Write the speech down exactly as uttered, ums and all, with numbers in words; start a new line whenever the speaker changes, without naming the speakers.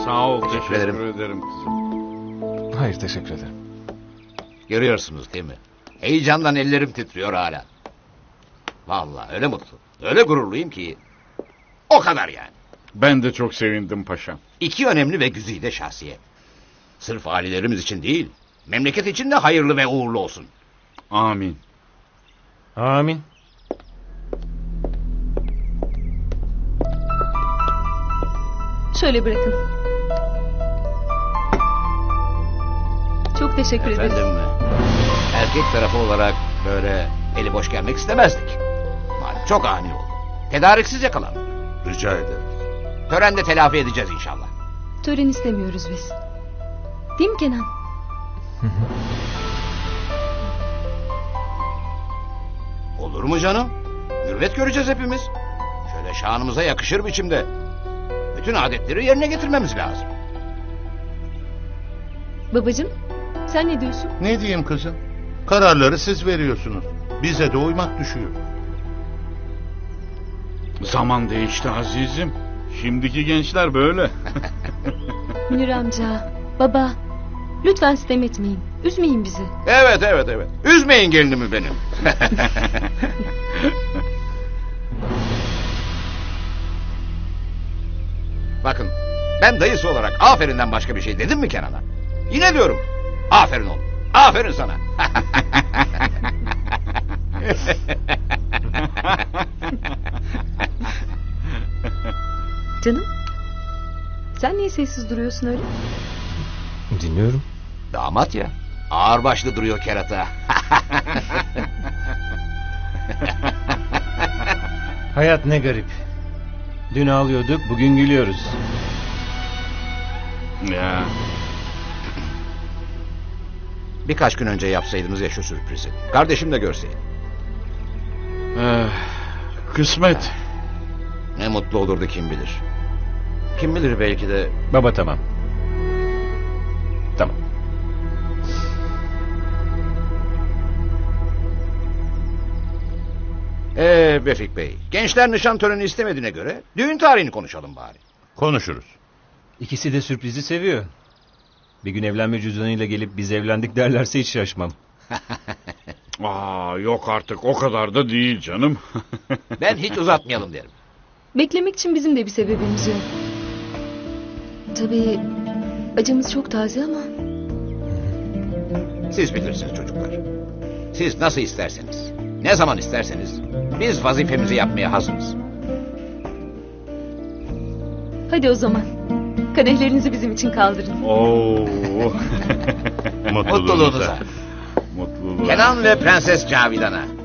Sağ ol,
Teşekkür
teşekkür,
ederim.
ederim kızım.
Hayır, teşekkür ederim.
Görüyorsunuz değil mi? Heyecandan ellerim titriyor hala. Vallahi öyle mutlu, öyle gururluyum ki... O kadar yani.
Ben de çok sevindim paşam.
İki önemli ve güzide şahsiyet. Sırf ailelerimiz için değil, memleket için de hayırlı ve uğurlu olsun.
Amin.
Amin.
Şöyle bırakın. Çok teşekkür ederim.
Efendim, erkek tarafı olarak böyle eli boş gelmek istemezdik. Malum çok ani oldu. Tedariksiz yakalandık.
Rica ederim.
Törende telafi edeceğiz inşallah.
Tören istemiyoruz biz. Değil mi Kenan?
Olur mu canım? Mürvet göreceğiz hepimiz. Şöyle şanımıza yakışır biçimde. Bütün adetleri yerine getirmemiz lazım.
Babacığım, sen ne diyorsun?
Ne diyeyim kızım? Kararları siz veriyorsunuz. Bize de uymak düşüyor.
Zaman değişti azizim. Şimdiki gençler böyle.
Münir amca, baba, lütfen sitem etmeyin. Üzmeyin bizi.
Evet evet evet. Üzmeyin gelinimi benim. Bakın, ben dayısı olarak aferinden başka bir şey dedim mi Kenan'a? Yine diyorum. Aferin oğlum. Aferin sana.
Canım, sen niye sessiz duruyorsun öyle?
Dinliyorum.
Damat ya. Ağırbaşlı duruyor kerata.
Hayat ne garip. Dün ağlıyorduk, bugün gülüyoruz.
Ya.
Birkaç gün önce yapsaydınız ya şu sürprizi. Kardeşim de görseydi.
Eh, kısmet.
Ne mutlu olurdu kim bilir. Kim bilir belki de...
Baba tamam. Tamam.
Ee Vefik Bey, gençler nişan töreni istemediğine göre düğün tarihini konuşalım bari.
Konuşuruz.
İkisi de sürprizi seviyor. Bir gün evlenme cüzdanıyla gelip biz evlendik derlerse hiç şaşmam.
Aa, yok artık o kadar da değil canım.
Ben hiç uzatmayalım derim.
Beklemek için bizim de bir sebebimiz yok. Tabii acımız çok taze ama...
Siz bilirsiniz çocuklar. Siz nasıl isterseniz, ne zaman isterseniz biz vazifemizi yapmaya hazırız.
Hadi o zaman. Kadehlerinizi bizim için kaldırın.
Oo.
Mutluluğunuza.
Mutluluğunuza.
Kenan ve Prenses Cavidan'a.